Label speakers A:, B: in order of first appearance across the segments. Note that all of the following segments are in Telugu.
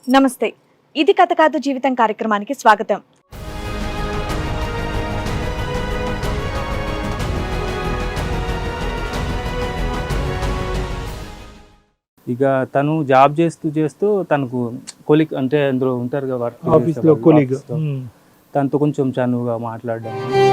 A: నమస్తే, ఇది కథ కాదు జీవితం కార్యక్రమానికి స్వాగతం.
B: ఇక తను జాబ్ చేస్తూ తనకు కొలిక్ అంటే అందులో ఉంటారు కదా వర్క్
C: ఆఫీస్లో కొలీగ్,
B: తనతో కొంచెం చనువుగా మాట్లాడడం.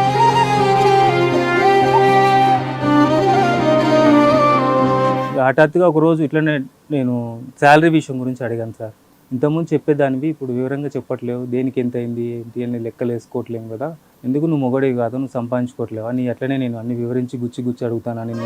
B: హఠాత్తుగా ఒకరోజు ఇట్లనే నేను శాలరీ విషయం గురించి అడిగాను సార్. ఇంతకుముందు చెప్పేదానివి ఇప్పుడు వివరంగా చెప్పట్లేవు, దేనికి ఎంత అయింది ఏంటి అని లెక్కలు వేసుకోవట్లేము కదా, ఎందుకు నువ్వు మొగడేవి కాదు, నువ్వు సంపాదించుకోవట్లేవు అని అట్లనే నేను అన్ని వివరించి గుచ్చి అడుగుతానని.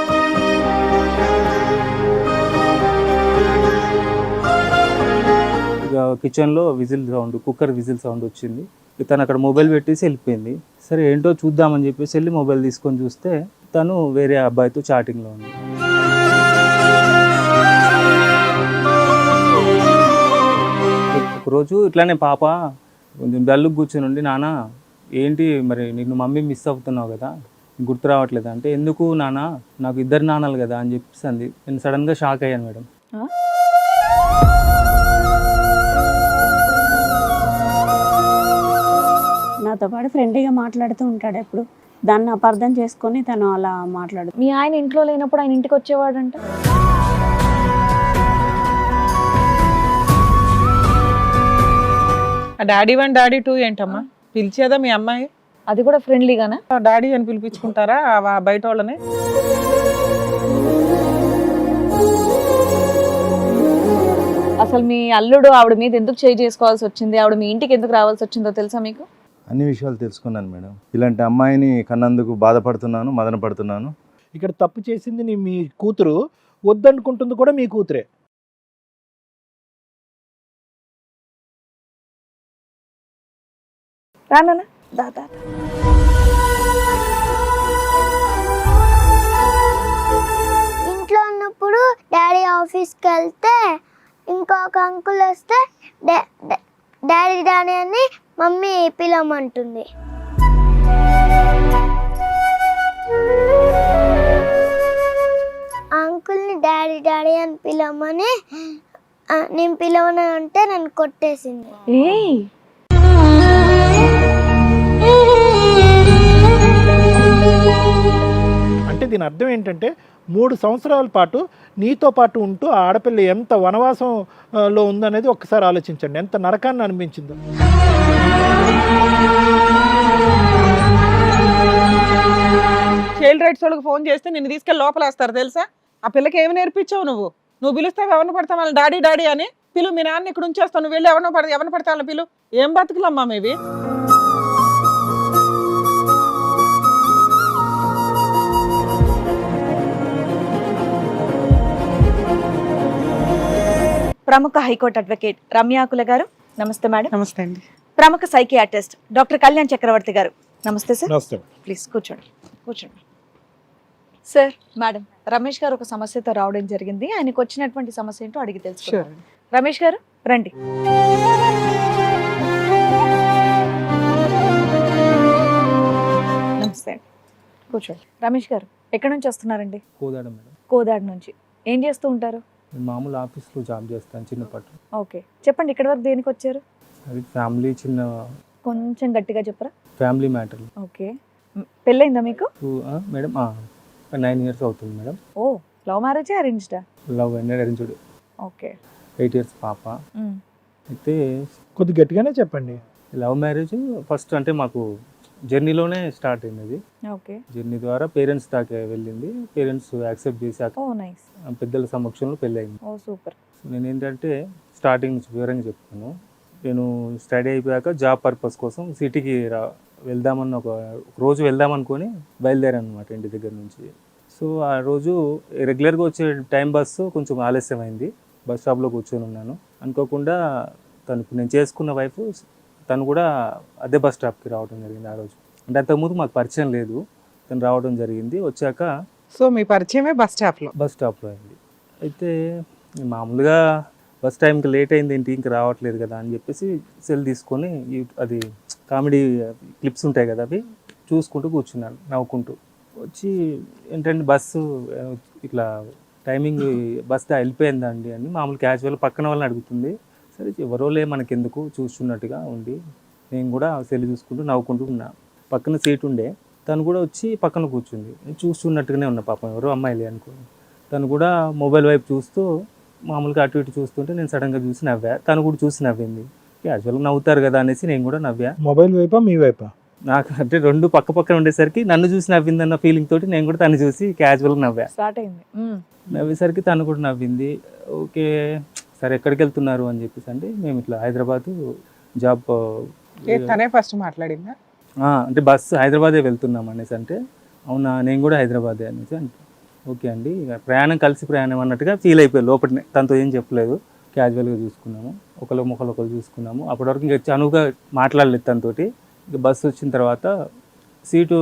B: ఇక కిచెన్లో కుక్కర్ విజిల్ సౌండ్ వచ్చింది. తను అక్కడ మొబైల్ పెట్టేసి వెళ్ళిపోయింది. సరే ఏంటో చూద్దామని చెప్పేసి వెళ్ళి మొబైల్ తీసుకొని చూస్తే తను వేరే అబ్బాయితో చాటింగ్లో ఉంది. ఒకరోజు ఇట్లానే పాప కొంచెం డల్లుకు కూర్చొని ఉండి, నాన్న ఏంటి మరి నిన్ను మమ్మీ మిస్ అవుతున్నావు కదా, గుర్తు రావట్లేదు అంటే, ఎందుకు నాన్న నాకు ఇద్దరు నాన్నలు కదా అని చెప్పేసి అంది. నేను సడన్గా షాక్ అయ్యాను మేడం.
D: నాతో పాటు ఫ్రెండ్లీగా మాట్లాడుతూ ఉంటాడు ఎప్పుడు, దాన్ని అపార్థం చేసుకొని తను అలా మాట్లాడు.
A: మీ ఆయన ఇంట్లో లేనప్పుడు ఆయన ఇంటికి వచ్చేవాడంట.
E: డాడీ 1 డాడీ 2 ఏంటమ్మా పిలిచేదా మీ అమ్మాయి?
A: అది కూడా ఫ్రెండ్లీగానా?
E: డాడీ అని పిలిపించుకుంటారా బయట వాళ్ళని?
A: అసలు మీ అల్లుడు ఆవిడ మీద ఎందుకు చేయి చేసుకోవాల్సి వచ్చింది, ఆవిడ మీ ఇంటికి ఎందుకు రావాల్సి వచ్చిందో తెలుసా మీకు?
F: అన్ని విషయాలు తెలుసుకున్నాను మేడం. ఇలాంటి అమ్మాయిని కన్నందుకు బాధపడుతున్నాను, మదన పడుతున్నాను.
C: ఇక్కడ తప్పు చేసింది మీ కూతురు, వద్దనుకుంటుంది కూడా మీ కూతురే.
A: రానా దా.
G: ఇంట్లో ఉన్నప్పుడు డాడీ ఆఫీస్కి వెళ్తే ఇంకొక అంకుల్ వస్తే డాడీ డాడీ అని మమ్మీ పిలవమంటుంది. అంకుల్ని డాడీ డాడీ అని పిలవమని నేను పిలవను అంటే నన్ను కొట్టేసింది.
C: అంటే దీని అర్థం ఏంటంటే 3 సంవత్సరాల పాటు నీతో పాటు ఉంటూ ఆ ఆడపిల్ల ఎంత వనవాసంలో ఉందనేది ఒక్కసారి ఆలోచించండి, ఎంత నరకాన్ని అనిపించిందో.
E: చైల్డ్ రైట్స్ వాళ్ళకి ఫోన్ చేస్తే నిన్ను తీసుకెళ్ళి లోపలేస్తారు తెలుసా? ఆ పిల్లకి ఏమి నేర్పించావు నువ్వు పిలుస్తావు ఎవరిని పడతావు వాళ్ళని డాడీ డాడీ అని పిలు. మీ నాన్న ఇక్కడ ఉంచేస్తావు, నువ్వు వెళ్ళి ఎవరిని పడతా వాళ్ళని పిలు. ఏం బతుకులమ్మా మేవి?
A: ప్రముఖ హైకోర్టు అడ్వకేట్ రమ్యాకుల గారు, నమస్తే మేడం.
E: నమస్తే అండి.
A: ప్రముఖ సైకియాట్రిస్ట్ డాక్టర్ కళ్యాణ్ చక్రవర్తి గారు, నమస్తే సార్.
C: నమస్తే.
A: ప్లీజ్ కూర్చోండి. సార్, మేడం రమేష్ గారు ఒక సమస్యతో రావడం జరిగింది, ఆయనకు వచ్చినటువంటి సమస్య ఏంటో అడిగి తెలుసుకుందాం. రమేష్ గారు రండి. నమస్తే, కూర్చోండి. రమేష్ గారు ఎక్కడి నుంచి వస్తున్నారండి?
B: కోదాడ మేడం.
A: కోదాడ నుంచి. ఏం చేస్తూ ఉంటారు?
B: మామూలు ఆఫీస్లో జాబ్ చేస్తాను చిన్నపాటు.
A: ఓకే, చెప్పండి ఇక్కడి వరకు దేనికి వచ్చారు?
B: అది ఫ్యామిలీ చిన్న
A: కొంచెం గట్టిగా చెప్పరా?
B: Family matter.
A: ఓకే, పెళ్ళైందా మీకు?
B: మేడం 9 years అవుతుంది మేడం.
A: ఓ, లవ్ మ్యారేజ్ అరేంజ్డా?
B: Love and arranged.
A: Okay,
B: 8 years పాప. అయితే
C: కొద్ది గట్టిగానే చెప్పండి.
B: లవ్ మ్యారేజ్ ఫస్ట్ అంటే మాకు జర్నీలోనే స్టార్ట్ అయింది.
A: ఓకే,
B: జర్నీ ద్వారా పేరెంట్స్ దాకా వెళ్ళింది. పేరెంట్స్ యాక్సెప్ట్ చేశాక
A: ఓ నైస్,
B: పెద్దల సమక్షంలో పెళ్ళి అయింది.
A: ఓ సూపర్.
B: నేను ఏంటంటే స్టార్టింగ్ నుంచి వివరంగా చెప్తాను. నేను స్టడీ అయిపోయాక జాబ్ పర్పస్ కోసం సిటీకి వెళ్దామని ఒక రోజు వెళ్దామనుకొని బయలుదేరాను అనమాట ఇంటి దగ్గర నుంచి. సో ఆ రోజు రెగ్యులర్గా వచ్చే టైం బస్సు కొంచెం ఆలస్యమైంది. బస్ స్టాప్లో కూర్చొని ఉన్నాను. అనుకోకుండా నేను చేసుకున్న వైఫ్ తను కూడా అదే బస్ స్టాప్కి రావడం జరిగింది ఆ రోజు. అంటే అంతకుముందు మాకు పరిచయం లేదు, తను రావడం జరిగింది. వచ్చాక
E: సో మీ పరిచయమే బస్ స్టాప్లో
B: అయింది. అయితే మామూలుగా బస్ టైంకి లేట్ అయింది ఏంటి ఇంకా రావట్లేదు కదా అని చెప్పేసి సెల్ తీసుకొని అది కామెడీ క్లిప్స్ ఉంటాయి కదా, అవి చూసుకుంటూ కూర్చున్నాను నవ్వుకుంటూ. వచ్చి ఏంటంటే బస్సు ఇట్లా టైమింగ్ బస్ వెళ్ళిపోయిందండి అని మామూలు క్యాజువల్ పక్కన వాళ్ళని అడుగుతుంది. సరే ఎవరోలే మనకెందుకు చూస్తున్నట్టుగా ఉండి నేను కూడా సెల్ చూసుకుంటూ నవ్వుకుంటూ ఉన్నా. పక్కన సీట్ ఉండే, తను కూడా వచ్చి పక్కన కూర్చుంది. నేను చూస్తున్నట్టుగానే ఉన్నా, పాపం ఎవరో అమ్మాయిలే అనుకోని. తను కూడా మొబైల్ వైపు చూస్తూ మామూలుగా అటు ఇటు చూస్తుంటే నేను సడన్గా చూసి నవ్వా. తను కూడా చూసి నవ్వింది. క్యాజువల్గా నవ్వుతారు కదా అనేసి నేను కూడా నవ్వా.
C: మొబైల్ వైపా మీ వైపా?
B: నాకు అంటే రెండు పక్క పక్కన ఉండేసరికి నన్ను చూసి నవ్విందన్న ఫీలింగ్ తోటి నేను కూడా తను చూసి క్యాజువల్గా నవ్వా.
A: స్టార్ట్ అయింది.
B: నవ్వేసరికి తను కూడా నవ్వింది. ఓకే సరే ఎక్కడికి వెళ్తున్నారు అని చెప్పేసి అంటే మేము ఇట్లా హైదరాబాద్ జాబ్
E: తనే ఫస్ట్ మాట్లాడిందా?
B: అంటే బస్సు హైదరాబాదే వెళ్తున్నాం అనేసి అంటే అవునా నేను కూడా హైదరాబాదే అనేసి అంటే ఓకే అండి ఇక ప్రయాణం కలిసి ప్రయాణం అన్నట్టుగా ఫీల్ అయిపోయారు లోపలనే. తనతో ఏం చెప్పలేదు, క్యాజువల్గా చూసుకున్నాము, ఒకరు ఒకరు చూసుకున్నాము. అప్పటి వరకు ఇంకా చనువుగా మాట్లాడలేదు తనతోటి. ఇక బస్సు వచ్చిన తర్వాత సీటు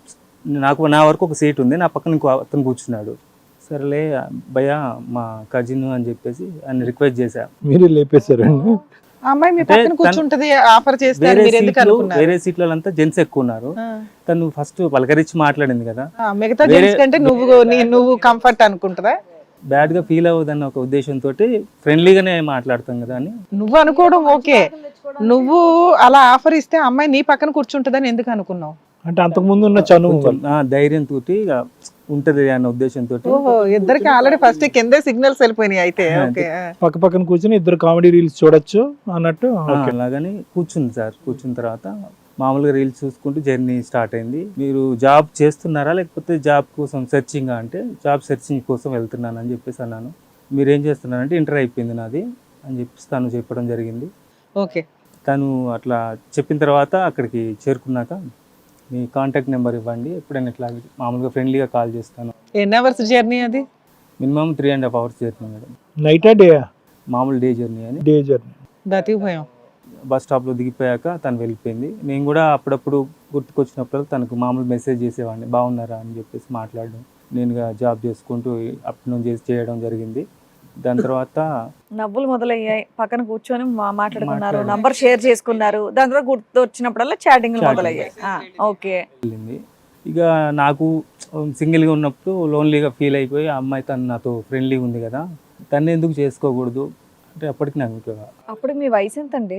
B: నా వరకు ఒక సీట్ ఉంది, నా పక్కన ఇంకో అతను కూర్చున్నాడు. సరేలే భయ్య మా కజిన్ అని చెప్పేసి ఆయన రిక్వెస్ట్ చేశా.
C: మీరు లేపేశారండి?
E: ఆ అమ్మాయి మీ
B: అంటే
E: పక్కన కూర్చుంటది ఆఫర్ చేస్తే మీరు ఎందుకు అనుకున్నారు?
B: వేరే సీట్లంతా జెంట్స్ ఎక్కువ ఉన్నారు. తను ఫస్ట్ పలకరించి మాట్లాడింది కదా,
E: మిగతా జెంట్స్ కంటే నువ్వు కంఫర్ట్ అనుకుంటుందా?
B: బ్యాడ్ గా ఫీల్ అవ్వదన్న ఒక ఉద్దేశంతో ఫ్రెండ్లీగానే మాట్లాడతాం కదా అని.
E: నువ్వు అనుకోవడం ఓకే, నువ్వు అలా ఆఫర్ ఇస్తే అమ్మాయి నీ పక్కన కూర్చుంటదని ఎందుకు అనుకున్నావు?
C: అంటే అంతకు ముందు ఉన్న చనువు
B: ధైర్యం తోటి ఉంటది అన్న ఉద్దేశంతో.
E: ఓహో, ఇద్దరికి ఆల్రెడీ ఫస్ట్ కిందే సిగ్నల్స్ వెళ్ళిపోయినాయి అయితే. ఓకే,
C: పక్క పక్కన కూర్చొని ఇద్దరు కామెడీ రీల్స్ చూడొచ్చు అన్నట్టు.
B: అలాగని కూర్చుంది సార్. కూర్చున్న తర్వాత మామూలుగా రీల్స్ చూసుకుంటూ జర్నీ స్టార్ట్ అయింది. మీరు జాబ్ చేస్తున్నారా లేకపోతే జాబ్ కోసం సెర్చింగ్ అంటే జాబ్ సెర్చింగ్ కోసం వెళ్తున్నాను అని చెప్పేసి అన్నాను. మీరు ఏం చేస్తున్నారంటే ఇంటర్ అయిపోయింది నాది అని చెప్పేసి తను చెప్పడం జరిగింది.
E: ఓకే,
B: తను అట్లా చెప్పిన తర్వాత అక్కడికి చేరుకున్నాక మీ కాంటాక్ట్ నెంబర్ ఇవ్వండి, ఎప్పుడైనా ఇట్లా మామూలుగా ఫ్రెండ్లీగా కాల్ చేస్తాను.
E: ఎన్ని అవర్స్ జర్నీ అది?
B: Minimum 3.5 hours journey madam.
C: నైటా డే?
B: మామూలు డే జర్నీ అని.
C: Day journey.
E: బతికిపోయాం.
B: బస్ స్టాప్లో దిగిపోయాక తను వెళ్ళిపోయింది. నేను కూడా అప్పుడప్పుడు గుర్తుకొచ్చినప్పుడు తనకు మామూలు మెసేజ్ చేసేవాడిని, బాగున్నారా అని చెప్పేసి మాట్లాడడం. నేనుగా జాబ్ చేసుకుంటూ అప్డౌన్ చేయడం జరిగింది. దాని తర్వాత
A: నవ్వులు మొదలయ్యాయి, పక్కన కూర్చొని మాట్లాడుకున్నారు, నంబర్ షేర్ చేసుకున్నారు. దాని తర్వాత గుర్తు వచ్చినప్పుడల్లా చాటింగ్ మొదలయ్యాయి. ఓకే,
B: వెళ్ళింది. ఇక నాకు సింగిల్గా ఉన్నప్పుడు లోన్లీగా ఫీల్ అయిపోయి ఆ అమ్మాయి తను నాతో ఫ్రెండ్లీగా ఉంది కదా, తను ఎందుకు చేసుకోకూడదు అంటే అప్పటికి నాకు
A: అప్పుడు మీ వయసు ఎంత అండి?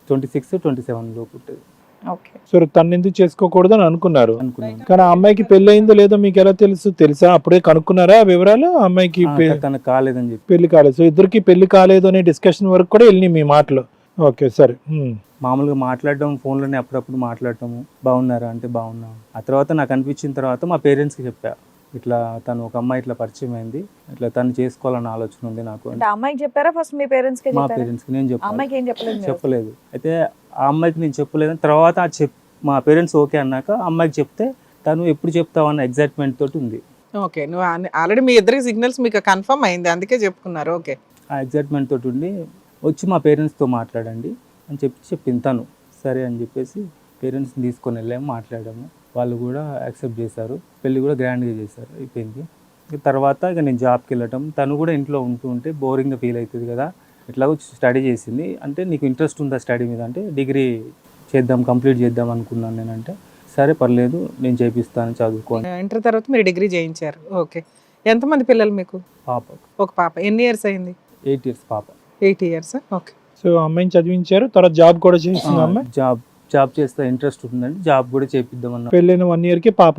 B: 26-27 లోపు ఉంటుంది.
A: ఓకే,
C: సో తను ఎందుకు చేసుకోకూడదు అని అనుకున్నారు.
B: అనుకున్నాను.
C: కానీ ఆ అమ్మాయికి పెళ్లి అయిందో లేదో మీకు ఎలా తెలుసా? అప్పుడే కనుక్కున్నారా ఆ వివరాలు? ఆ అమ్మాయికి
B: తనకు కాలేదని చెప్పి.
C: పెళ్లి కాలేదు. సో ఇద్దరికి పెళ్లి కాలేదు అనే డిస్కషన్ వరకు కూడా వెళ్ళినాయి మీ మాటలు. ఓకే సరే.
B: మామూలుగా మాట్లాడడం, ఫోన్లోనే అప్పుడప్పుడు మాట్లాడటము, బాగున్నారా అంటే బాగున్నాం. ఆ తర్వాత నాకు అనిపించిన తర్వాత మా పేరెంట్స్కి చెప్పా, ఇట్లా తను ఒక అమ్మాయి ఇట్లా పరిచయం అయింది, ఇట్లా తను చేసుకోవాలన్న ఆలోచన ఉంది నాకు.
A: అంటే అమ్మాయికి చెప్పారా ఫస్ట్ మీ పేరెంట్స్ కి?
B: మా పేరెంట్స్కి నేను
A: అమ్మాయికి ఏం
B: చెప్పలేదు. అయితే ఆ అమ్మాయికి నేను చెప్పలేదని తర్వాత మా పేరెంట్స్ ఓకే అన్నాక అమ్మాయికి చెప్తే తను ఎప్పుడు చెప్తావు అన్న ఎగ్జైట్మెంట్ తోటి ఉంది.
E: ఓకే, నువ్వు ఆల్రెడీ మీ ఇద్దరికి సిగ్నల్స్ మీకు కన్ఫర్మ్ అయింది, అందుకే చెప్పుకున్నారు. ఓకే,
B: ఆ ఎగ్జైట్మెంట్ తోటి ఉండి వచ్చి మా పేరెంట్స్తో మాట్లాడండి అని చెప్పింది తను. సరే అని చెప్పేసి పేరెంట్స్ని తీసుకొని వెళ్ళాము, మాట్లాడాము. వాళ్ళు కూడా యాక్సెప్ట్ చేశారు. పెళ్ళి కూడా గ్రాండ్గా చేశారు, అయిపోయింది. తర్వాత ఇక నేను జాబ్కి వెళ్ళటం, తను కూడా ఇంట్లో ఉంటే బోరింగ్గా ఫీల్ అవుతుంది కదా. ఇట్లాగో స్టడీ చేసింది. అంటే నీకు ఇంట్రెస్ట్ ఉందా స్టడీ మీద అంటే డిగ్రీ కంప్లీట్ చేద్దాం అనుకున్నాను నేనంటే సరే పర్లేదు నేను చేపిస్తాను చదువుకోండి.
E: ఇంటర్ తర్వాత మీరు డిగ్రీ చేయించారు. ఓకే, ఎంతమంది పిల్లలు మీకు?
B: పాప.
E: ఒక పాప. ఎన్ని ఇయర్స్ అయింది?
B: 8 years పాప.
E: 8 years. ఓకే,
C: సో అమ్మాయిని చదివించారు, తర్వాత జాబ్ కూడా చేసింది అమ్మాయి.
B: జాబ్ చేస్తే ఇంట్రెస్ట్ ఉంటుందండి, జాబ్ కూడా చేపిద్దామన్నా.
C: పెళ్ళైన 1 year కి పాప.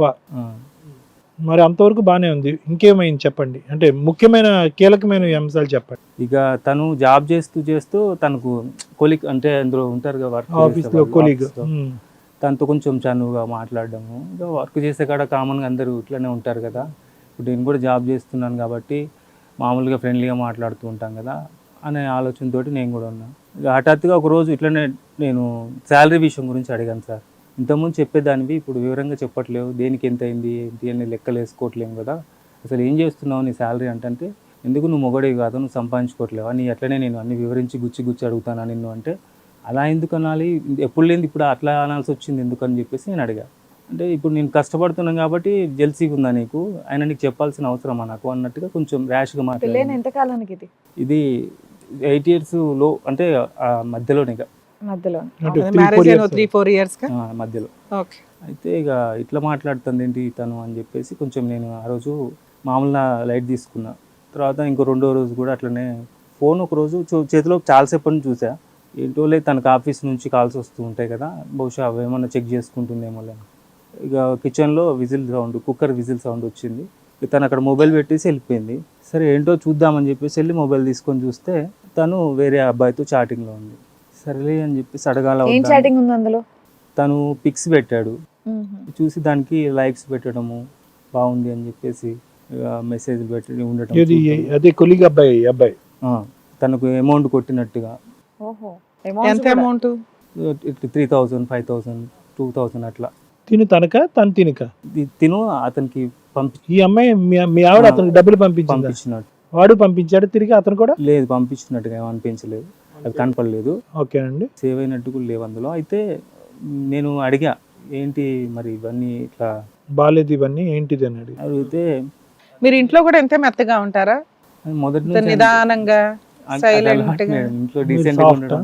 C: మరి అంతవరకు బాగానే ఉంది. ఇంకేమైంది చెప్పండి, అంటే ముఖ్యమైన కీలకమైన అంశాలు చెప్పండి.
B: ఇక తను జాబ్ చేస్తూ తనకు కొలీగ్ అంటే అందులో ఉంటారు కదా వర్క్
C: ఆఫీస్లో కొలీగ్,
B: తనతో కొంచెం చనువుగా మాట్లాడడము. ఇక వర్క్ చేసే కాడ కామన్గా అందరూ ఇట్లనే ఉంటారు కదా. ఇప్పుడు నేను కూడా జాబ్ చేస్తున్నాను కాబట్టి మామూలుగా ఫ్రెండ్లీగా మాట్లాడుతూ ఉంటాం కదా అనే ఆలోచనతోటి నేను కూడా ఉన్నాను. ఇక హఠాత్తుగా ఒకరోజు ఇట్లనే నేను శాలరీ విషయం గురించి అడిగాను సార్. ఇంతకుముందు చెప్పేదానివి ఇప్పుడు వివరంగా చెప్పట్లేవు, దేనికి ఎంత అయింది ఏంటి అని లెక్కలు వేసుకోవట్లేము కదా, అసలు ఏం చేస్తున్నావు నీ శాలరీ అంటే ఎందుకు నువ్వు మొగడేవి కాదు, నువ్వు సంపాదించుకోవట్లేవా, నీ అట్లనే నేను అన్ని వివరించి గుచ్చి అడుగుతానా నిన్ను అంటే అలా ఎందుకు అనాలి, ఎప్పుడు లేని ఇప్పుడు అట్లా అనాల్సి వచ్చింది ఎందుకని చెప్పేసి నేను అడిగా. అంటే ఇప్పుడు నేను కష్టపడుతున్నాను కాబట్టి జెల్సీగా ఉందా నీకు, ఆయన నీకు చెప్పాల్సిన అవసరమా నాకు అన్నట్టుగా కొంచెం ర్యాష్గా మాట్లాడాను.
A: ఎంతకాలానికి
B: ఇది 8 years లో అంటే మధ్యలోనే
A: మధ్యలో
E: మ్యారేజ్ అయిన 3-4 years
B: మధ్యలో.
E: ఓకే,
B: అయితే ఇక ఇట్లా మాట్లాడుతుంది ఏంటి తను అని చెప్పేసి కొంచెం నేను ఆ రోజు మామూలుగా లైట్ తీసుకున్నా. తర్వాత ఇంకో 2వ రోజు కూడా అట్లనే ఫోన్ ఒకరోజు చేతిలో చాలాసేపటి నుంచి చూసా. ఏంటో లేదు, తనకు ఆఫీస్ నుంచి కాల్స్ వస్తూ ఉంటాయి కదా, బహుశా అవేమన్నా చెక్ చేసుకుంటుందేమో లేదు. ఇక కిచెన్లో whistle sound, cooker whistle sound వచ్చింది. తను అక్కడ మొబైల్ పెట్టేసి వెళ్ళిపోయింది. సరే ఏంటో చూద్దామని చెప్పేసి వెళ్ళి మొబైల్ తీసుకొని చూస్తే తను వేరే అబ్బాయితో చాటింగ్లో ఉంది. సరేలే అని చెప్పేసి అడగాల.
A: ఏం చాటింగ్ ఉంది అందులో?
B: తను పిక్స్ పెట్టాడు, చూసి దానికి లైక్స్ పెట్టడము, బాగుంది అని చెప్పేసి మెసేజ్ పెట్టి ఉండటం.
C: అదే కొలిగ్ అబ్బాయి
B: తనకు అమౌంట్ కొట్టినట్టుగా.
A: ఓహో,
E: ఎంత అమౌంట్?
B: 3,000, 5,000, 2,000 అట్లా.
C: తను తినక
B: తిను అతనికి
C: ఈ అమ్మాయి మీ ఆవిడ అతనికి డబ్బులు పంపించినట్టు, వాడు పంపించాడు తిరిగి అతను కూడా?
B: లేదు, పంపించినట్టుగా ఏమనిపించలేదు, అది కనపడలేదు.
C: ఓకే అండి.
B: సేవ్ అయినట్టు కూడా లేవు అందులో. అయితే నేను అడిగా, ఏంటి మరి ఇవన్నీ ఇట్లా
C: బాలేదు, ఇవన్నీ ఏంటిది అని
B: అడిగితే,
E: మీరు ఇంట్లో కూడా ఎంత మెత్తగా ఉంటారా?
B: మొదటి
E: ఇంత నిదానంగా సైలెంట్ గా
B: ఇంట్లో డీసెంట్ గా ఉండడం.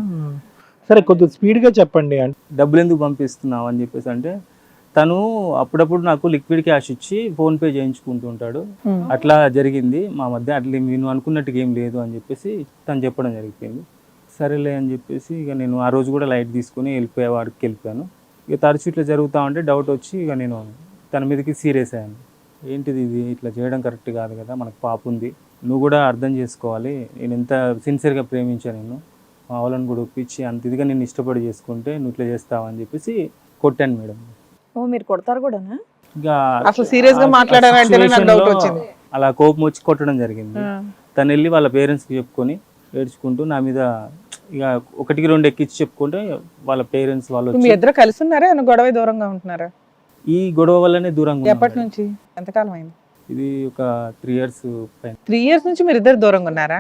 C: సరే కొద్దిగా స్పీడ్ గా చెప్పండి.
B: డబ్బులు ఎందుకు పంపిస్తున్నావు అని చెప్పేసి అంటే, తను అప్పుడప్పుడు నాకు లిక్విడ్ క్యాష్ ఇచ్చి ఫోన్ పే చేయించుకుంటూ ఉంటాడు, అట్లా జరిగింది మా మధ్య, అట్లా నేను అనుకున్నట్టుగా ఏం లేదు అని చెప్పేసి తను చెప్పడం జరిగిపోయింది. సరేలే అని చెప్పేసి ఇక నేను ఆ రోజు కూడా లైట్ తీసుకుని వాడికి వెళ్ళిపోయాను. ఇక తరచు ఇట్లా జరుగుతూ ఉంటే డౌట్ వచ్చి ఇక నేను తన మీదకి సీరియస్ అయ్యాను. ఏంటిది ఇది, ఇట్లా చేయడం కరెక్ట్ కాదు కదా, మనకు పాప ఉంది, నువ్వు కూడా అర్థం చేసుకోవాలి, నేను ఎంత సిన్సియర్గా ప్రేమించాను, నిన్ను మా వాళ్ళని కూడా ఒప్పించి అంత ఇదిగా నేను ఇష్టపడి చేసుకుంటే నువ్వు ఇట్లా చేస్తావా అని చెప్పేసి కొట్టాను మేడం.
A: ఓ, మీరు కొడతారు కూడానా?
B: ఇక
E: అసలు సీరియస్ గా మాట్లాడారంటే నాకు డౌట్ వచ్చింది.
B: అలా కోపం వచ్చి కొట్టడం జరిగింది. తను వెళ్ళి వాళ్ళ పేరెంట్స్కి చెప్పుకొని ఏడ్చుకుంటూ నా మీద ఇక 1-2 ఎక్కించి చెప్పుకుంటే వాళ్ళ పేరెంట్స్ వాళ్ళు
E: మీ ఇద్దరు కలిసి ఉన్నారా, గొడవ దూరంగా ఉంటున్నారా?
B: ఈ గొడవ వల్లనే దూరంగా.
E: ఎప్పటి నుంచి, ఎంతకాలం అయింది?
B: ఇది ఒక 3 years పైన.
E: 3 years నుంచి మీరు ఇద్దరు దూరంగా ఉన్నారా?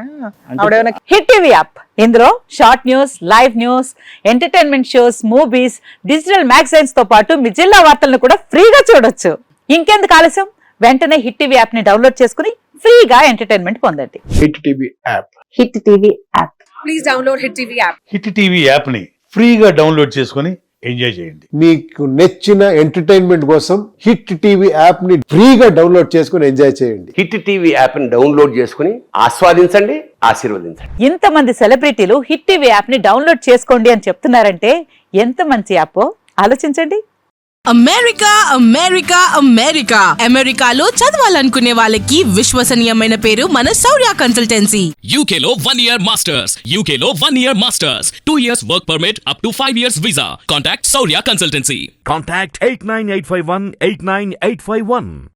H: హిట్ టీవీ యాప్, ఇందులో short news, live news, entertainment shows, movies, digital magazines తో పాటు మీ జిల్లా వార్తలను కూడా ఫ్రీగా చూడొచ్చు. ఇంకెందుకు ఆలస్యం, వెంటనే హిట్ టీవీ యాప్ ని డౌన్లోడ్ చేసుకుని ఫ్రీగా ఎంటర్టైన్మెంట్ పొందండి.
I: Hit TV app.
H: Hit TV app.
A: Please download hit TV app.
I: Hit TV app ని ఫ్రీగా డౌన్లోడ్ చేసుకొని ఎంజాయ్ చేయండి.
J: మీకు నచ్చిన ఎంటర్టైన్మెంట్ కోసం హిట్ టీవీ యాప్ ని ఫ్రీగా డౌన్లోడ్ చేసుకొని ఎంజాయ్ చేయండి.
K: హిట్ టీవీ యాప్ ని డౌన్లోడ్ చేసుకుని ఆస్వాదించండి, ఆశీర్వదించండి.
H: ఇంతమంది సెలబ్రిటీలు హిట్ టీవీ యాప్ ని డౌన్లోడ్ చేసుకోండి అని చెప్తున్నారంటే ఎంత మంచి యాప్ ఆలోచించండి.
L: అమెరికా అమెరికా అమెరికా అమెరికాలో చదవాలనుకునే వాళ్ళకి విశ్వసనీయమైన పేరు మన శౌర్య కన్సల్టెన్సీ.
M: యూకేలో 1 year మాస్టర్స్, యూకేలో 1 year masters, 2 years work permit up to 5 years visa. Contact Shaurya consultancy.
N: Contact 89851 89851.